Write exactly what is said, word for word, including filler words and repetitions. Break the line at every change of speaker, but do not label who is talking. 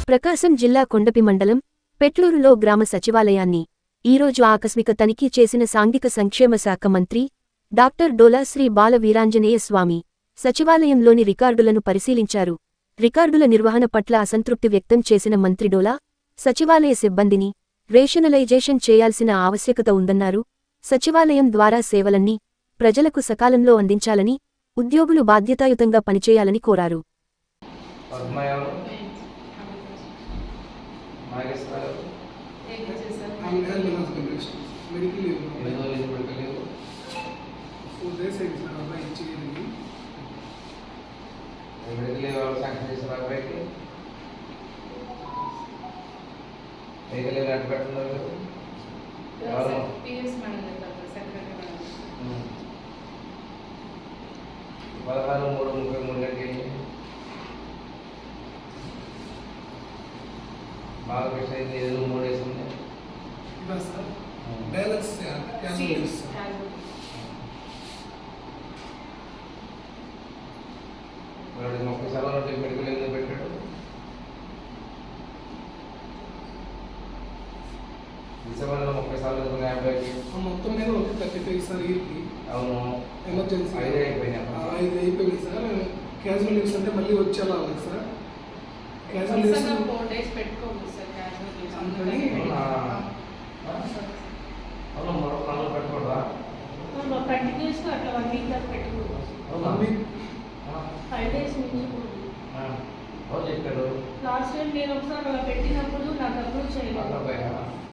ప్రకాశం జిల్లా కొండపి మండలం పెట్లూరులో గ్రామ సచివాలయాన్ని ఈరోజు ఆకస్మిక తనిఖీ చేసిన సాంఘిక సంక్షేమ శాఖ మంత్రి డాక్టర్ డోలా శ్రీ బాల వీరాంజనేయ స్వామి సచివాలయంలోని రికార్డులను పరిశీలించారు. రికార్డుల నిర్వహణ పట్ల అసంతృప్తి వ్యక్తం చేసిన మంత్రి డోలా సచివాలయ సిబ్బందిని రేషనలైజేషన్ చేయాల్సిన ఆవశ్యకత ఉందన్నారు. సచివాలయం ద్వారా సేవలన్నీ ప్రజలకు సకాలంలో అందించాలని, ఉద్యోగులు బాధ్యతాయుతంగా పనిచేయాలని కోరారు.
పదహారు మూడు ముప్పై మూడు గంటలకి బాగా కృష్ణ ఐదు మూడు వేసింది ముప్పై సార్లు మెడికల్ ఎందుకు పెట్టాడు? డిసెంబర్లో ముప్పై సార్లు యాభైకి
మొత్తం మీద ఒక థర్టీ ఫైవ్ సార్ ఇయర్కి.
అవును,
ఎమర్జెన్సీ
ఐదు అయిపోయినాయి.
ఐదు అయిపోయింది సార్. క్యాజువల్ లీవ్స్ అంటే మళ్ళీ వచ్చేలా ఉంది sir. Casual leaves
four days పెట్టుకోండి సార్. క్యాజువల్ లీవ్స్
అందుకని
అవును, మరో పనులు పెట్టుకోవడా?
కంటిన్యూస్ గా అట్లా వన్ వీక్ దాకా పెట్టుకోవచ్చు. ఫైవ్ డేస్ నుంచి
చెప్పారు
లాస్ట్ టైం నేను ఒకసారి అలా పెట్టినప్పుడు నాకు అప్రూవ్ చేయలేదు.